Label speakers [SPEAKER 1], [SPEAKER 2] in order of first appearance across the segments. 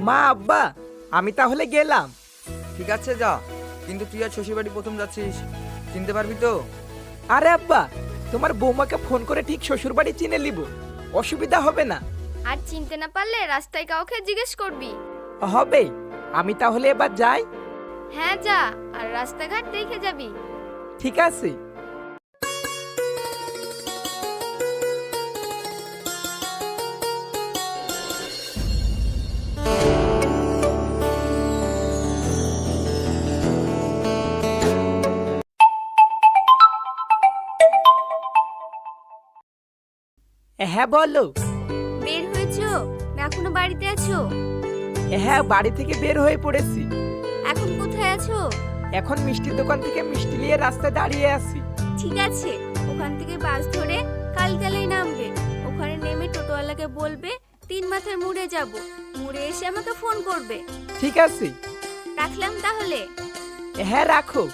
[SPEAKER 1] মা আব্বা আমি তাহলে গেলাম।
[SPEAKER 2] ঠিক আছে যা, কিন্তু তুই আর শ্বশুরবাড়ি প্রথম যাচ্ছিস, চিনতে পারবি তো?
[SPEAKER 1] আরে আব্বা, তোমার বৌমাকে ফোন করে ঠিক শ্বশুরবাড়ি চিনে নিব, অসুবিধা হবে না।
[SPEAKER 3] আর চিনতে না পারলে রাস্তায় কাউকে জিজ্ঞেস করবি।
[SPEAKER 1] হবে, আমি তাহলে এবার যাই।
[SPEAKER 3] হ্যাঁ যা, আর রাস্তাঘাট দেখে যাবি।
[SPEAKER 1] ঠিক আছে। হ্যাঁ বলো।
[SPEAKER 3] বের হয়েছো না এখনো বাড়িতে আছো?
[SPEAKER 1] হ্যাঁ, বাড়ি থেকে বের হয়ে পড়েছি।
[SPEAKER 3] এখন কোথায় আছো?
[SPEAKER 1] এখন মিষ্টির দোকান থেকে মিষ্টি নিয়ে রাস্তায় দাঁড়িয়ে আছি।
[SPEAKER 3] ঠিক আছে, ওখান থেকে বাস ধরে কালকালেই নামবে। ওখানে নেমে টোটোওয়ালাকে বলবে 3 মাথার মোড়ে যাব, মোড়ে এসে আমাকে ফোন করবে।
[SPEAKER 1] ঠিক আছে।
[SPEAKER 3] রাখলাম তাহলে।
[SPEAKER 1] হ্যাঁ রাখো।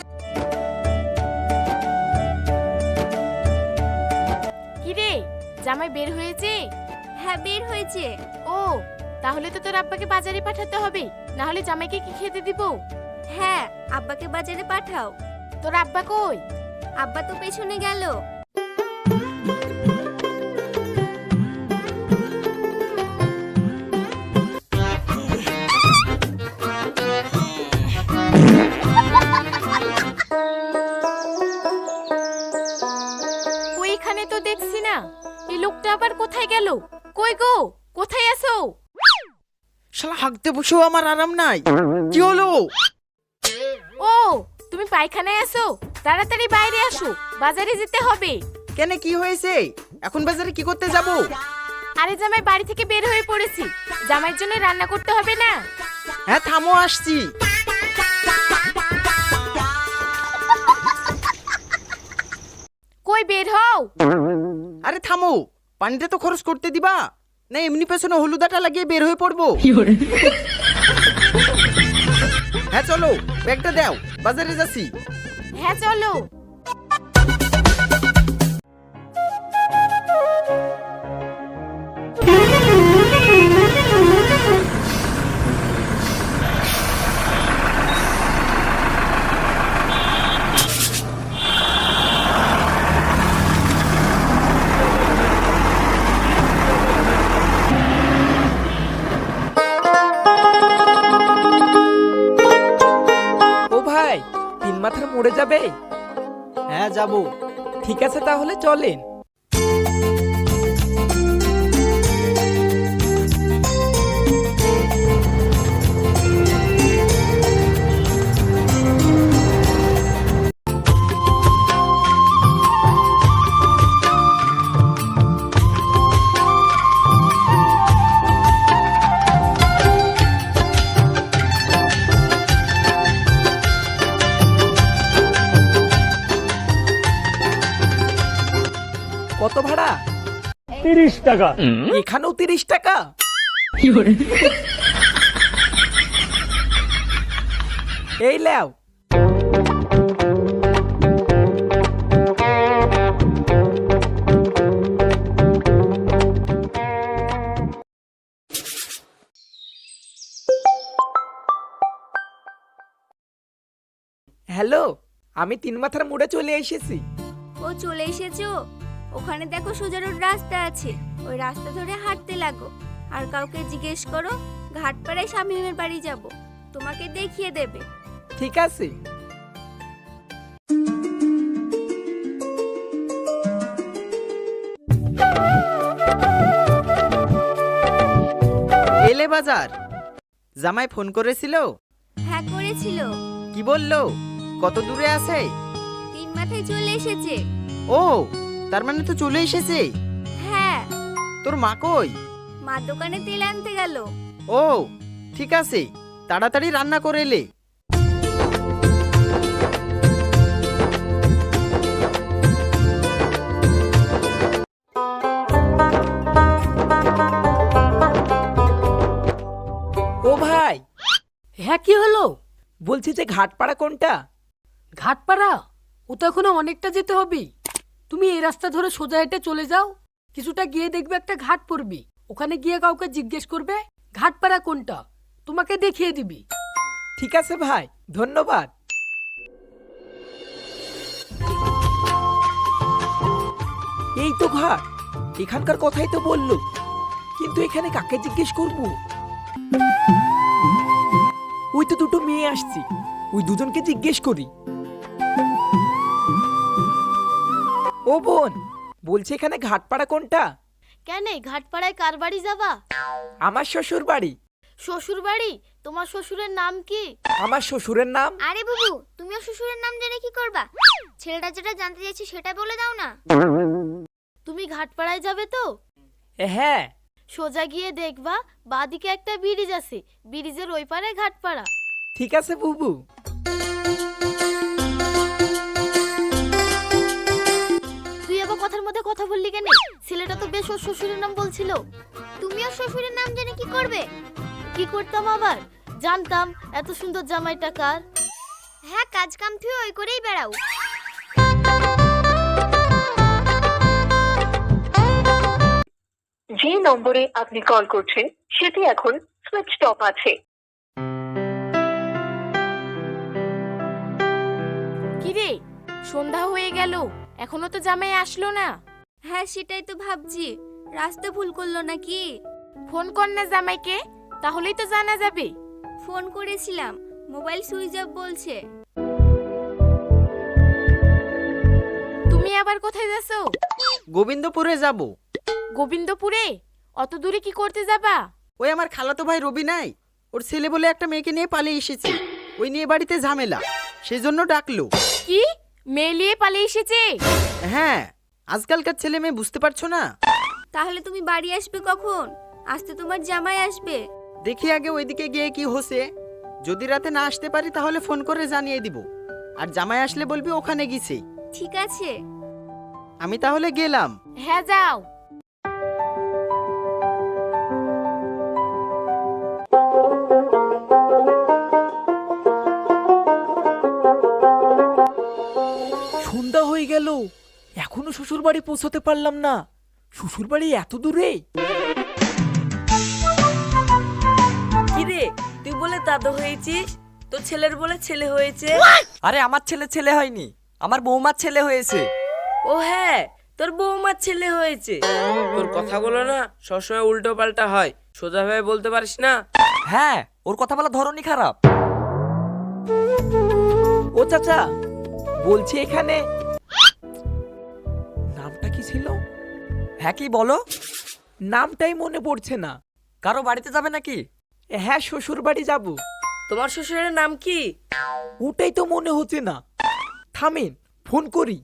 [SPEAKER 4] কি রে, জামাই বের হয়েছে?
[SPEAKER 3] হ্যাঁ বের হয়েছে।
[SPEAKER 4] ও, তাহলে তো তোর আব্বাকে বাজারে পাঠাতে হবে, না হলে জামাইকে কি খেতে দিব?
[SPEAKER 3] হ্যাঁ, আব্বাকে বাজারে পাঠাও।
[SPEAKER 4] তোর আব্বা কই?
[SPEAKER 3] আব্বা তো পেছনে গেল।
[SPEAKER 4] ওইখানে তো দেখছি না, এই লোকটা আবার কোথায় গেল? কই গো, কোথায় আছো?
[SPEAKER 2] শালা হাঁকতে বসেও আমার আরাম নাই, কি হলো?
[SPEAKER 4] ও, তুমি পায়খানায় আছো? তাড়াতাড়ি বাইরে আসো, বাজারে যেতে হবে।
[SPEAKER 2] কেন, কি হয়েছে? এখন বাজারে কি করতে যাব?
[SPEAKER 4] আরে জামাই বাড়ি থেকে বের হয়ে পড়েছি, জামাইয়ের জন্য রান্না করতে হবে না?
[SPEAKER 2] হ্যাঁ থামো, আসছি।
[SPEAKER 4] কই বের হও।
[SPEAKER 2] আরে থামো, পানিটা তো খরচ করতে দিবা না, এমনি পেছনে হলুদাটা লাগিয়ে বের হয়ে পড়বো? হ্যাঁ চলো, ব্যাগটা দাও, বাজারে যাচ্ছি।
[SPEAKER 4] হ্যাঁ চলো।
[SPEAKER 1] ও ভাই, 3 মাথার মোড়ে যাবে?
[SPEAKER 2] হ্যাঁ যাবো।
[SPEAKER 1] ঠিক আছে তাহলে চলেন। কত ভাড়া?
[SPEAKER 5] 30 টাকা।
[SPEAKER 1] এখানেও 30 টাকা? এই লেও। হ্যালো, আমি 3 মাথার মোড়ে চলে এসেছি।
[SPEAKER 3] ও চলে এসেছো? ওখানে দেখো সোজা রোড রাস্তা আছে, ওই রাস্তা ধরে হাঁটতে লাগো। আর কাউকে জিজ্ঞেস করো ঘাটপাড়ায় শামীমের বাড়ি যাব, তোমাকে দেখিয়ে দেবে।
[SPEAKER 1] ঠিক আছে।
[SPEAKER 2] এলে বাজার? জামাই ফোন করেছিল?
[SPEAKER 3] হ্যাঁ করেছিল।
[SPEAKER 2] কি বললো? কত দূরে আছে?
[SPEAKER 3] 3 মাথায় চলে এসেছে।
[SPEAKER 2] ও, তার মানে তো চলে এসেছে।
[SPEAKER 3] হ্যাঁ।
[SPEAKER 2] তোর মা কই?
[SPEAKER 3] মা দোকানে তেল আনতে গেল।
[SPEAKER 2] ও ঠিক আছে, তাড়াতাড়ি রান্না করে এলে।
[SPEAKER 1] ও ভাই।
[SPEAKER 6] হ্যাঁ কি হলো?
[SPEAKER 1] বলছি যে ঘাটপাড়া কোনটা?
[SPEAKER 6] ঘাটপাড়া? ও তো এখনো অনেকটা যেতে হবে। তুমি এই রাস্তা ধরে সোজা হেঁটে চলে যাও, কিছুটা গিয়ে দেখবে একটা ঘাট পড়বি। ওখানে গিয়ে কাউকে জিজ্ঞেস করবে ঘাটপাড়া কোনটা তোমাকে দেখিয়ে দিবি।
[SPEAKER 1] ঠিক আছে ভাই, ধন্যবাদ। এই তো ঘাট, এখানকার কথাই তো বললো, কিন্তু এখানে কাকে জিজ্ঞেস করব? ওই তো দুটো মেয়ে আসছে, ওই দুজনকে জিজ্ঞেস করি। ও বোন, বলছে এখানে ঘাটপাড়া কোনটা?
[SPEAKER 7] কেন ঘাটপাড়ায় কার বাড়ি যাবা?
[SPEAKER 1] আমার শ্বশুর বাড়ি।
[SPEAKER 7] শ্বশুর বাড়ি? তোমার শ্বশুরের নাম কি?
[SPEAKER 1] আমার শ্বশুরের নাম?
[SPEAKER 3] আরে বুবু, তুমিও শ্বশুরের নাম জেনে কি করবা? ছেলেটা যেটা জানতে চাইছে সেটা বলে দাও না।
[SPEAKER 7] তুমি ঘাটপাড়ায় যাবে তো?
[SPEAKER 1] হ্যাঁ।
[SPEAKER 7] সোজা গিয়ে দেখবা বাদিকে একটা ব্রিজ আছে, ব্রিজের ওই পারে ঘাটপাড়া।
[SPEAKER 1] ঠিক আছে বুবু।
[SPEAKER 7] তুই আবার কথার মধ্যে কথা বললি কেন? ছেলেটা তো বেশ ওর শ্বশুরের নাম বলছিল।
[SPEAKER 3] তুমিও শ্বশুরের নাম জেনে কি করবে?
[SPEAKER 7] কি করতাম আবার? জানতাম এত সুন্দর জামাইটা কার।
[SPEAKER 3] হ্যাঁ, কাজ কাম তুই ওই করেই বেড়াও।
[SPEAKER 8] যে নম্বরে আপনি কল করছেন সেটি এখন সুইচড অফ আছে।
[SPEAKER 4] কি রে, সন্ধ্যা হয়ে গেল, এখনো তো জামাই আসলো না।
[SPEAKER 3] হ্যাঁ, সেটাই তো ভাবছি, রাস্তা ভুল করলো নাকি।
[SPEAKER 4] ফোন কর না জামাইকে, তাহলেই তো জানা যাবে।
[SPEAKER 3] ফোন করেছিলাম, মোবাইল সুইচ অফ বলছে।
[SPEAKER 4] তুমি আবার কোথায় যাচ্ছো?
[SPEAKER 2] গোবিন্দপুরে যাব।
[SPEAKER 4] গোবিন্দপুরে? অত দূরে কি করতে যাবা?
[SPEAKER 2] ওই আমার খালাতো ভাই রবি নাই, ওর ছেলে বলে একটা মেয়েকে নিয়ে পালিয়ে এসেছে, ওই নিয়ে বাড়িতে ঝামেলা, সেই জন্য ডাকলো।
[SPEAKER 4] কি, মেয়ে নিয়ে পালিয়ে এসেছে?
[SPEAKER 2] হ্যাঁ, আজকালকার ছেলে মেয়ে বুঝতে পারছো না।
[SPEAKER 3] তাহলে তুমি বাড়ি আসবে কখন? আসতে তোমার জামাই আসবে।
[SPEAKER 2] দেখি আগে ওইদিকে গিয়ে কি হচ্ছে, যদি রাতে না আসতে পারি তাহলে ফোন করে জানিয়ে দিব, আর জামাই আসলে বলবি ওখানে গেছে।
[SPEAKER 3] ঠিক আছে।
[SPEAKER 2] আমি তাহলে গেলাম।
[SPEAKER 4] হ্যাঁ, যাও।
[SPEAKER 1] সন্ধ্যা হয়ে গেল, এখনো শ্বশুর বাড়ি পৌঁছতে পারলাম না। শ্বশুর বাড়ি এত দূরে?
[SPEAKER 9] কিরে, তুই বলে দাদু হয়েছিস, তোর ছেলের বলে ছেলে হয়েছে।
[SPEAKER 10] আরে আমার ছেলে হয়নি, আমার বৌমার ছেলে হয়েছে।
[SPEAKER 9] ও হ্যাঁ, তোর বৌমার ছেলে হয়েছে। তোর কথাগুলো না সবসময় উল্টো পাল্টা হয়, সোজাভাবে বলতে পারিস না।
[SPEAKER 10] হ্যাঁ, ওর কথা বলার ধরনই খারাপ।
[SPEAKER 1] ও চাচা, বলছি এখানে নামটা কি ছিল?
[SPEAKER 10] হ্যাঁ, কি বলো?
[SPEAKER 1] নামটাই মনে পড়ছে না।
[SPEAKER 10] কারো বাড়িতে যাবে নাকি?
[SPEAKER 1] হ্যাঁ, শ্বশুর বাড়ি যাব।
[SPEAKER 9] তোমার শ্বশুরের নাম কি?
[SPEAKER 1] ওটাই তো মনে হচ্ছে না। থামেন, ফোন করি।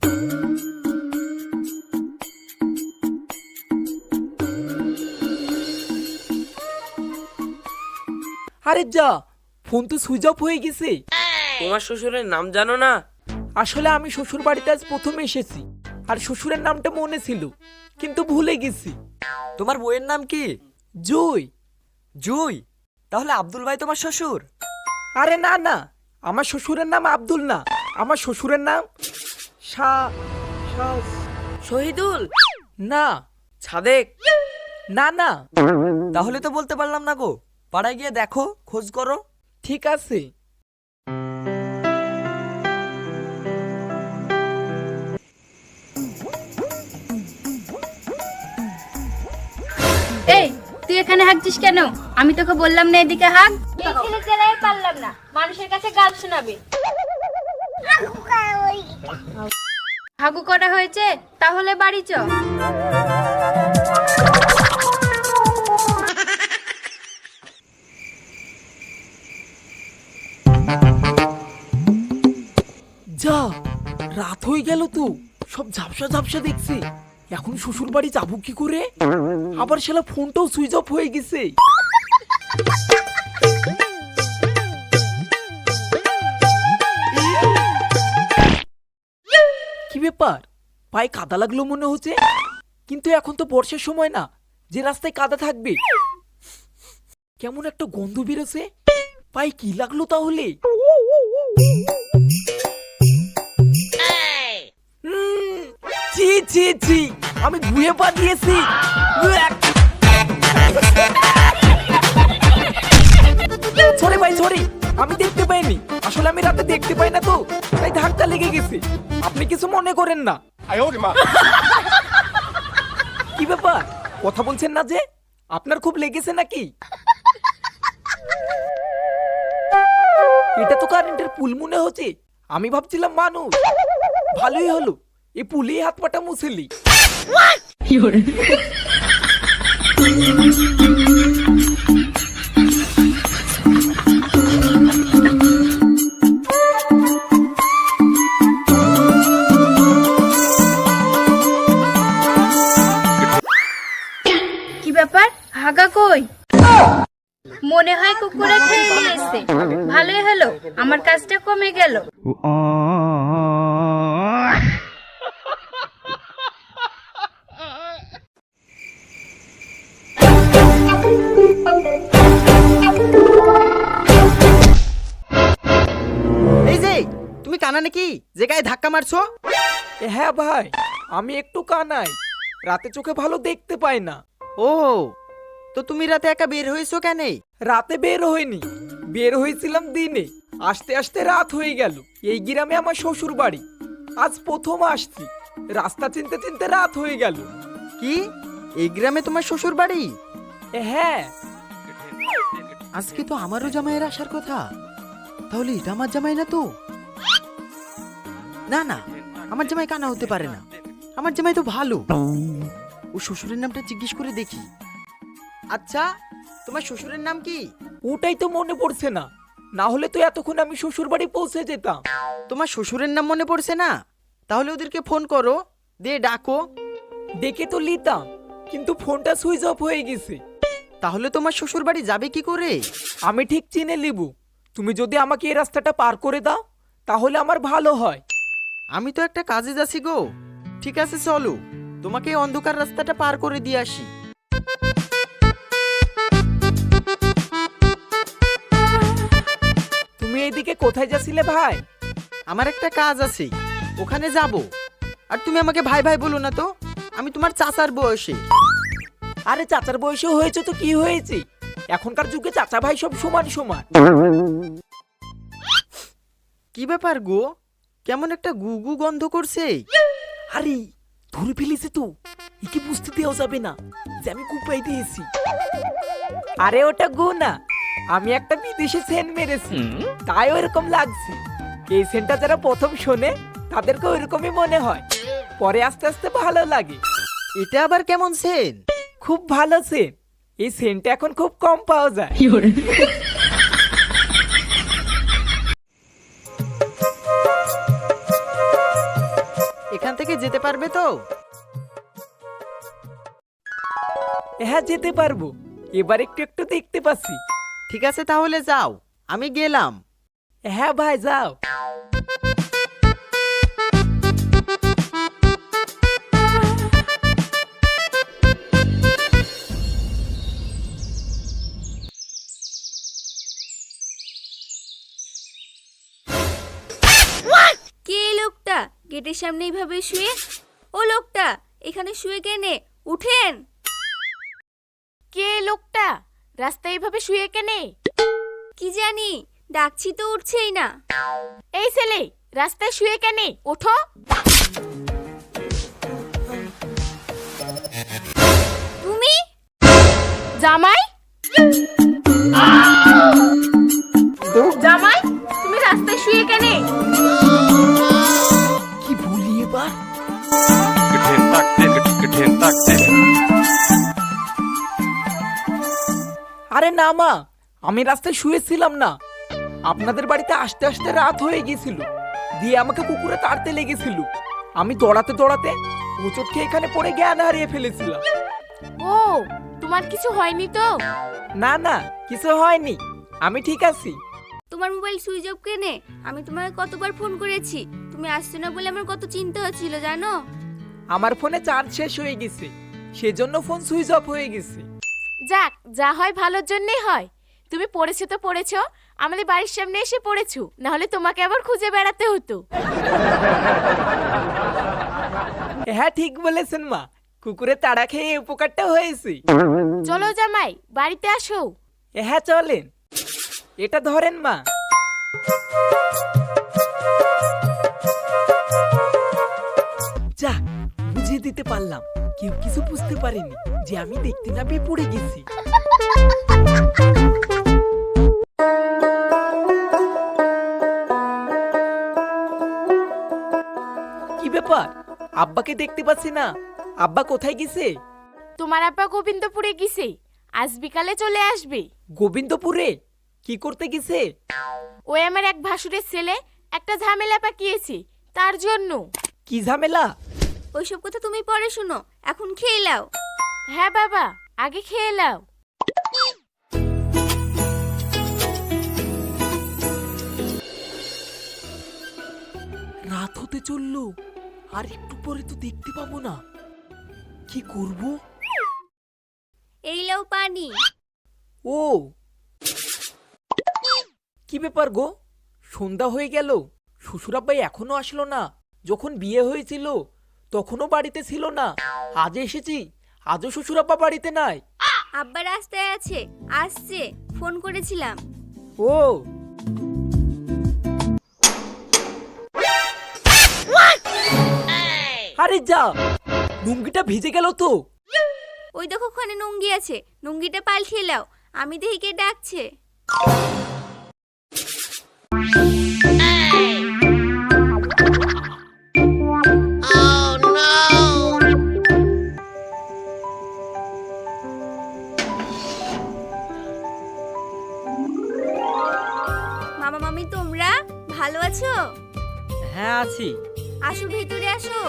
[SPEAKER 1] আরে যা, ফোন তো সুইচ অফ হয়ে গেছে।
[SPEAKER 9] তোমার শ্বশুরের নাম জানো না?
[SPEAKER 1] আসলে আমি শ্বশুর বাড়িতে আজ প্রথম এসেছি, আর শ্বশুরের নামটা মনে ছিল, কিন্তু ভুলে গেছি।
[SPEAKER 10] তোমার বউয়ের নাম কি?
[SPEAKER 1] জুই।
[SPEAKER 10] জুই? তাহলে আব্দুল ভাই তোমার শ্বশুর?
[SPEAKER 1] আরে না না, আমার শ্বশুরের নাম আব্দুল না, আমার শ্বশুরের নাম
[SPEAKER 9] শহীদুল?
[SPEAKER 1] না।
[SPEAKER 9] সাদেক?
[SPEAKER 1] না না।
[SPEAKER 10] তাহলে তো বলতে পারলাম না গো, পাড়ায় গিয়ে দেখো, খোঁজ করো।
[SPEAKER 1] ঠিক আছে।
[SPEAKER 3] এই, তুই এখানে হাঁকছিস কেন? আমি তোকে বললাম না এদিকে হাঁক। এই ছেলে জেলাই পারলাম না, মানুষের কাছে গাল শোনাবে। হাগু করা হয়েছে, তাহলে বাড়ি চ।
[SPEAKER 1] যা, রাত হয়ে গেল তো, সব ঝাপসা ঝাপসা দেখছি। এখন শ্বশুর বাড়ি যাবো কি করে? আবার শালা ফোনটাও সুইচ অফ হয়ে গেছে। কি ব্যাপার, পায়ে কাদা লাগলো মনে হচ্ছে, কিন্তু এখন তো বর্ষার সময় না যে রাস্তায় কাদা থাকবে। কেমন একটা গন্ধ বেরোছে, পায়ে কি লাগলো তাহলে? ছি ছি ছি, আমি ঘুরে পা দিয়েছি। সরি ভাই সরি, আমি দেখতে পাইনি, আসলে আমি রাতে দেখতে পাই না তো, তাই ধাক্কা লেগে গেছে, আপনি কিছু মনে করেন না। কি ব্যাপার, কথা বলছেন না যে? আপনার খুব লেগেছে নাকি? এটা তো কারেন্টের পুল মনে হচ্ছে, আমি ভাবছিলাম মানুষ। ভালোই হলো, এই পুলে হাত পাটা মুছলি।
[SPEAKER 3] কি ব্যাপার, হাগা কই? মনে হয় কুকুরে খেয়ে নিয়েছে। ভালোই হলো, আমার কাজটা কমে গেল।
[SPEAKER 2] এই যে তুমি কানা নাকি যে গায়ে ধাক্কা মারছো?
[SPEAKER 1] হ্যাঁ ভাই, আমি একটু কানাই, রাতে চোখে ভালো দেখতে পাই না।
[SPEAKER 2] ও, তো তুমি রাতে একা বের হয়েছো কেন?
[SPEAKER 1] রাতে বের হয়নি, বের হয়েছিলাম দিনে, আসতে আসতে রাত হয়ে গেল। এই গ্রামে আমার শ্বশুর বাড়ি, আজ প্রথম আসছি, রাস্তা চিনতে চিনতে রাত হয়ে গেল।
[SPEAKER 2] কি, এই গ্রামে তোমার শ্বশুর বাড়ি?
[SPEAKER 1] হ্যাঁ।
[SPEAKER 2] আজকে তো আমারও জামাইয়ের আসার কথা, তাহলে এটা আমার জামাই না তো? না না, আমার জামাই কানা হতে পারে না, আমার জামাই তো ভালো। ও শ্বশুরের নামটা জিজ্ঞেস করে দেখি। আচ্ছা, তোমার শ্বশুরের নাম কি?
[SPEAKER 1] ওটাই তো মনে পড়ছে না, না হলে তো এতক্ষণ আমি শ্বশুর বাড়ি পৌঁছে যেতাম।
[SPEAKER 2] তোমার শ্বশুরের নাম মনে পড়ছে না? তাহলে ওদেরকে ফোন করো, দিয়ে ডাকো।
[SPEAKER 1] ডেকে তো নিতাম, কিন্তু ফোনটা সুইচ অফ হয়ে গেছে।
[SPEAKER 2] তাহলে তোমার শ্বশুর বাড়ি যাবে কি করে?
[SPEAKER 1] আমি ঠিক চিনে লিবু, তুমি যদি আমাকে এই রাস্তাটা পার করে দাও তাহলে আমার ভালো হয়।
[SPEAKER 2] আমি তো একটা কাজে যাচ্ছি গো। ঠিক আছে চলো, তোমাকে এই অন্ধকার রাস্তাটা পার করে দিয়ে আসি।
[SPEAKER 1] তুমি এইদিকে কোথায় যাচ্ছিলে ভাই?
[SPEAKER 2] আমার একটা কাজ আছে, ওখানে যাব। আর তুমি আমাকে ভাই ভাই বলো না তো, আমি তোমার চাচার বয়সে।
[SPEAKER 1] আরে চাচার বয়সে হয়েছে তো কি হয়েছে, এখনকার যুগে চাচা ভাই সব সমান সমান।
[SPEAKER 2] কি ব্যাপার গো, কেমন একটা গুগু গন্ধ করছে?
[SPEAKER 1] আরে ধরে ফেলেছে তো, একে বুঝতে দেওয়া যাবে না যে আমি কুপাই দিয়েছি। আরে ওটা গু না, আমি একটা বিদেশে সেন্ট মেরেছি, তাই ওরকম লাগছে। এই সেন্টটা যারা প্রথম শোনে তাদেরকে ওইরকমই মনে হয়, পরে আস্তে আস্তে ভালো লাগে।
[SPEAKER 2] এটা আবার কেমন সেন?
[SPEAKER 1] খুব ভালো সেন্ট, এই সেন্টটা এখন খুব কম পাওয়া যায়।
[SPEAKER 2] এখান থেকে যেতে পারবে তো?
[SPEAKER 1] হ্যাঁ যেতে পারবো, এবার একটু একটু দেখতে পাচ্ছি।
[SPEAKER 2] ঠিক আছে তাহলে যাও, আমি গেলাম।
[SPEAKER 1] হ্যাঁ ভাই যাও।
[SPEAKER 3] কে এই লোকটা গেটের সামনে এইভাবে শুয়ে? ও লোকটা এখানে শুয়ে কেনে? উঠেন।
[SPEAKER 4] কে এই লোকটা রাস্তায় এইভাবে শুয়ে কেনে?
[SPEAKER 3] কি জানি, ডাকছি তো উঠছেই না।
[SPEAKER 4] এই ছেলে রাস্তায় শুয়ে কেনে? ওঠো।
[SPEAKER 3] তুমি?
[SPEAKER 4] জামাই, জামাই তুমি রাস্তায় শুয়ে কেনে?
[SPEAKER 1] কি বলি এবার? আরে না মা, আমি রাস্তায় শুয়েছিলাম না, আপনাদের বাড়িতে আসতে আসতে রাত হয়ে গিয়েছিল, দিয়ে আমাকে কুকুরে তাড়তে লেগেছিল। আমি দৌড়াতে দৌড়াতে হোঁচট খেয়ে এখানে পড়ে জ্ঞান হারিয়ে ফেলেছিলাম।
[SPEAKER 4] ও, তোমার কিছু হয়নি তো?
[SPEAKER 1] না না, কিছু হয়নি, আমি ঠিক আছি।
[SPEAKER 3] তোমার মোবাইল সুইচ অফ কেনে? আমি তোমাকে কতবার ফোন করেছি, তুমি আসছো না বলে আমার কত চিন্তা হচ্ছিল জানো।
[SPEAKER 1] আমার ফোনে চার্জ শেষ হয়ে গেছে, সেজন্য ফোন সুইচ অফ হয়ে গেছে।
[SPEAKER 4] যাক, যা হয় ভালোর জন্যই হয়। তুমি পড়েছো তো পড়েছো, আমাদের বাড়ির সামনে এসে পড়েছো, না হলে তোমাকে আবার খুঁজে বেড়াতে হতো।
[SPEAKER 1] হ্যাঁ ঠিক বলেছেন মা, কুকুরে তাড়া খেয়ে এই উপকারটা হয়েছে।
[SPEAKER 4] চলো জামাই, বাড়িতে আসো।
[SPEAKER 1] হ্যাঁ চলেন। এটা ধরেন মা। যা, বুঝিয়ে দিতে পারলাম। কেউ কিছু বুঝতে পারেনি যে আমি দেখতে না পেয়ে পড়ে গেছি। কি ব্যাপার, আব্বাকে দেখতে পাচ্ছি না। আব্বা কোথায় গেছে?
[SPEAKER 4] তোমার আব্বা গোবিন্দপুরে গেছে, আজ বিকালে চলে আসবে।
[SPEAKER 1] গোবিন্দপুরে কি করতে গেছে?
[SPEAKER 4] ওই আমার এক ভাসুরের ছেলে একটা ঝামেলা পাকিয়েছে, তার জন্য।
[SPEAKER 1] কি ঝামেলা?
[SPEAKER 3] ওইসব কথা তুমি পরে শোনো, এখন খেয়ে নাও।
[SPEAKER 4] হ্যাঁ বাবা, আগে খেয়ে নাও।
[SPEAKER 1] রাত হতে চললো, আর একটু পরে তো দেখতে পাবো না। কি করব?
[SPEAKER 3] এই লাও পানি।
[SPEAKER 1] ও, কি ব্যাপার গো, সন্ধ্যা হয়ে গেল, শ্বশুরাব্বাই এখনো আসলো না? যখন বিয়ে হয়েছিল তখনও বাড়িতে ছিল না, আজ এসেছি, আজও শ্বশুরাব্বা বাড়িতে নাই।
[SPEAKER 3] আব্বা রাস্তায় আছে, আসছে, ফোন করেছিলাম।
[SPEAKER 1] ও, আরে যা, লুঙ্গিটা ভিজে গেল তো।
[SPEAKER 3] ওই দেখো ওখানে নুঙ্গি আছে, নুঙ্গিটা পাল্টিয়ে নাও, আমি দেখি কে ডাকছে। মামা মামি তোমরা ভালো আছো?
[SPEAKER 10] হ্যাঁ আছি।
[SPEAKER 3] আসো ভেতরে আসো।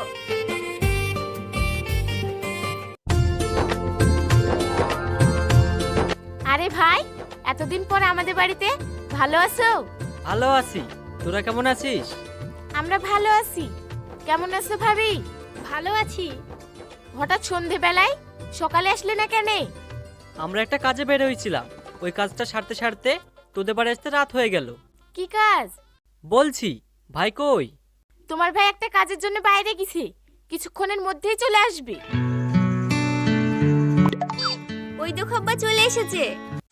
[SPEAKER 4] আরে ভাই, এতদিন পর আমাদের বাড়িতে, ভালো আছো?
[SPEAKER 10] ভালো আছি, তোরা কেমন আছিস?
[SPEAKER 4] আমরা ভালো আছি। কেমন আছো ভাবি?
[SPEAKER 7] ভালো আছি।
[SPEAKER 4] হঠাৎ সন্ধেবেলায় সকালে আসলে না কেন?
[SPEAKER 10] আমরা একটা কাজে বের হয়েছিলাম, ওই কাজটা সারতে সারতে তোদের বাড়ি আসতে রাত হয়ে গেল।
[SPEAKER 4] কি কাজ?
[SPEAKER 10] বলছি, ভাই কই?
[SPEAKER 4] তোমার ভাই একটা কাজের জন্য বাইরে গেছে, কিছুক্ষণের মধ্যেই চলে আসবে।
[SPEAKER 3] ওই দেখো আব্বা চলে এসেছে।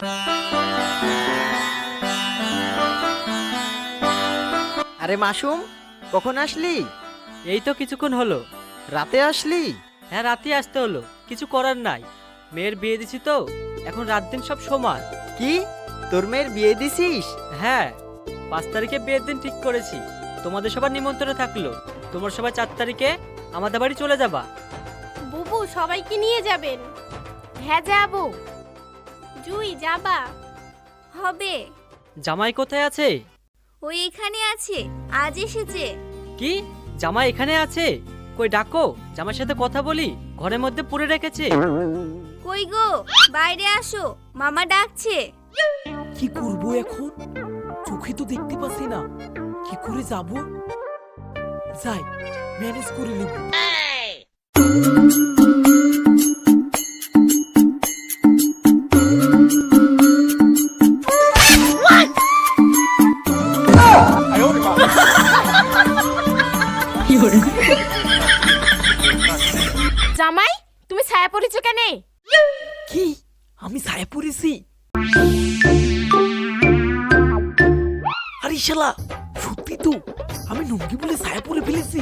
[SPEAKER 2] আরে মাসুম, কখন আসলি?
[SPEAKER 10] এই তো কিছুক্ষণ হলো।
[SPEAKER 2] রাতে আসলি?
[SPEAKER 10] হ্যাঁ, রাতে আসতে হলো, কিছু করার নাই। মেয়ের বিয়ে দিছি তো, এখন রাত দিন সব সমান।
[SPEAKER 2] কি, তোর মেয়ের বিয়ে দিছিস?
[SPEAKER 10] হ্যাঁ, 5 তারিখে বিয়ের দিন ঠিক করেছি। তোমাদের সবার নিমন্ত্রণ থাকলো, তোমরা সবাই 4 তারিখে আমাদের বাড়ি চলে যাবা।
[SPEAKER 7] বুবু সবাইকে নিয়ে যাবেন?
[SPEAKER 4] হ্যাঁ যাবো।
[SPEAKER 7] জুই যাবা?
[SPEAKER 3] হবে।
[SPEAKER 10] জামাই কোথায় আছে?
[SPEAKER 3] ওই এখানে আছে, আজ এসেছে।
[SPEAKER 10] কি, জামাই এখানে আছে? কই ডাকো, জামাইয়ের সাথে কথা বলি, ঘরের মধ্যে পুরে রেখেছে।
[SPEAKER 3] কই গো, বাইরে আসো, মামা ডাকছে।
[SPEAKER 1] কি করব এখন? চোখে তো দেখতে পাচ্ছি না, কি করে যাব? যাই, ম্যানেজ করে নেব।
[SPEAKER 4] জামাই, তুমি ছায়া পড়েছো কেন?
[SPEAKER 1] কি, আমি ছায়া পড়েছি? আরে শালা, সত্যি তো, আমি লুঙ্গি বলে ছায়া পরে ফেলেছি।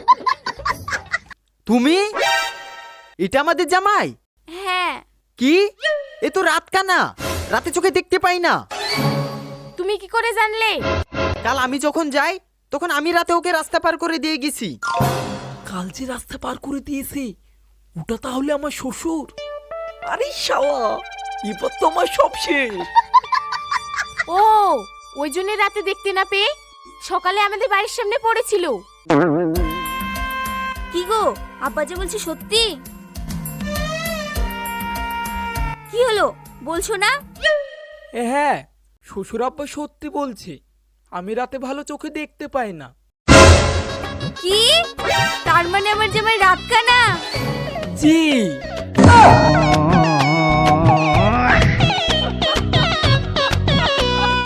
[SPEAKER 2] তুমি? এটা আমাদের জামাই?
[SPEAKER 3] হ্যাঁ।
[SPEAKER 2] কি, এ তো রাত কানা, রাতে চোখে দেখতে পাই না।
[SPEAKER 4] তুমি কি করে জানলে?
[SPEAKER 2] কাল আমি যখন যাই তখন আমি রাতে ওকে রাস্তা পার করে দিয়ে গেছি।
[SPEAKER 1] কাল যে রাস্তা পার করে দিয়েছে, ওটা তাহলে আমার শ্বশুর? আরে শালা, এবার তো আমার সব শেষ।
[SPEAKER 4] ও, ওই জন্য রাতে দেখতে না পেয়ে সকালে আমাদের বাড়ির সামনে পড়েছিল।
[SPEAKER 3] কি গো, আব্বা যে বলছে সত্যি? কি হলো, বলছো না?
[SPEAKER 1] হ্যাঁ, শ্বশুর আব্বা সত্যি বলছে, আমি রাতে ভালো চোখে দেখতে পাই না।
[SPEAKER 3] কি, তার মানে আমার জামাই রাত কানা?
[SPEAKER 1] জি।